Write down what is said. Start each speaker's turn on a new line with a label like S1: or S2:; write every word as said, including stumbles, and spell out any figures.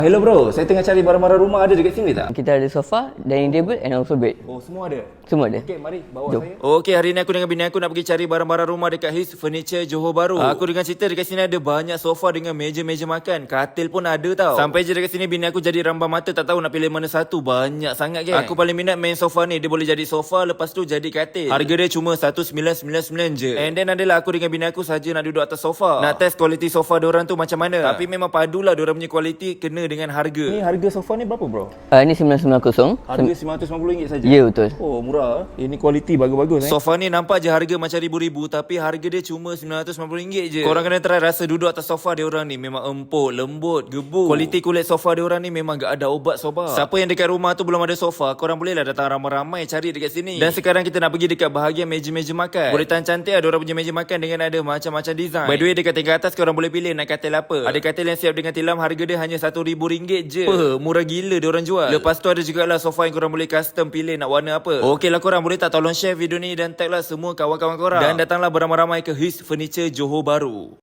S1: Hello bro, saya tengah cari barang-barang rumah, ada dekat sini tak?
S2: Kita ada sofa, dining table and also bed.
S1: Oh, semua ada?
S2: Semua ada.
S1: Okey, mari bawa
S2: Jom.
S1: saya. Okey, hari ni aku dengan bini aku nak pergi cari barang-barang rumah dekat His Furniture Johor Bahru. Aku dengan cerita dekat sini ada banyak sofa dengan meja-meja makan. Katil pun ada tau. Sampai je dekat sini bini aku jadi rambang mata, tak tahu nak pilih mana satu. Banyak sangat kan. Aku paling minat main sofa ni. Dia boleh jadi sofa, lepas tu jadi katil. Harga dia cuma satu sembilan sembilan sembilan je. And then adalah aku dengan bini aku saja nak duduk atas sofa. Nak test kualiti sofa diorang tu macam mana. Tapi memang padulah diorang punya kualiti kena dengan harga. Ni harga sofa ni berapa bro?
S2: Uh, ini sembilan sembilan kosong.
S1: Harga sembilan ratus sembilan puluh ringgit saja.
S2: Ya, betul.
S1: Oh, murah. Ini kualiti bagus-bagus eh. Sofa ni nampak je harga macam ribu-ribu, tapi harga dia cuma sembilan ratus sembilan puluh ringgit je. Korang kena try rasa duduk atas sofa dia orang ni. Memang empuk, lembut, gebuk. Kualiti kulit sofa dia orang ni memang gak ada obat sobat. Siapa yang dekat rumah tu belum ada sofa, korang bolehlah datang ramai-ramai cari dekat sini. Dan sekarang kita nak pergi dekat bahagian meja-meja makan. Boleh tahan cantik lah diorang punya meja makan dengan ada macam-macam design. By the way, dekat tingkat atas korang boleh pilih nak katil apa. Ada katil yang siap dengan tilam, harga dia hanya satu ribu ringgit je. Apa? Murah gila diorang jual. Lepas tu ada juga lah sofa yang korang boleh custom pilih nak warna apa. Okey lah, korang boleh tak tolong share video ni dan tag lah semua kawan-kawan korang. Dan datanglah beramai-ramai ke His Furniture Johor Bahru.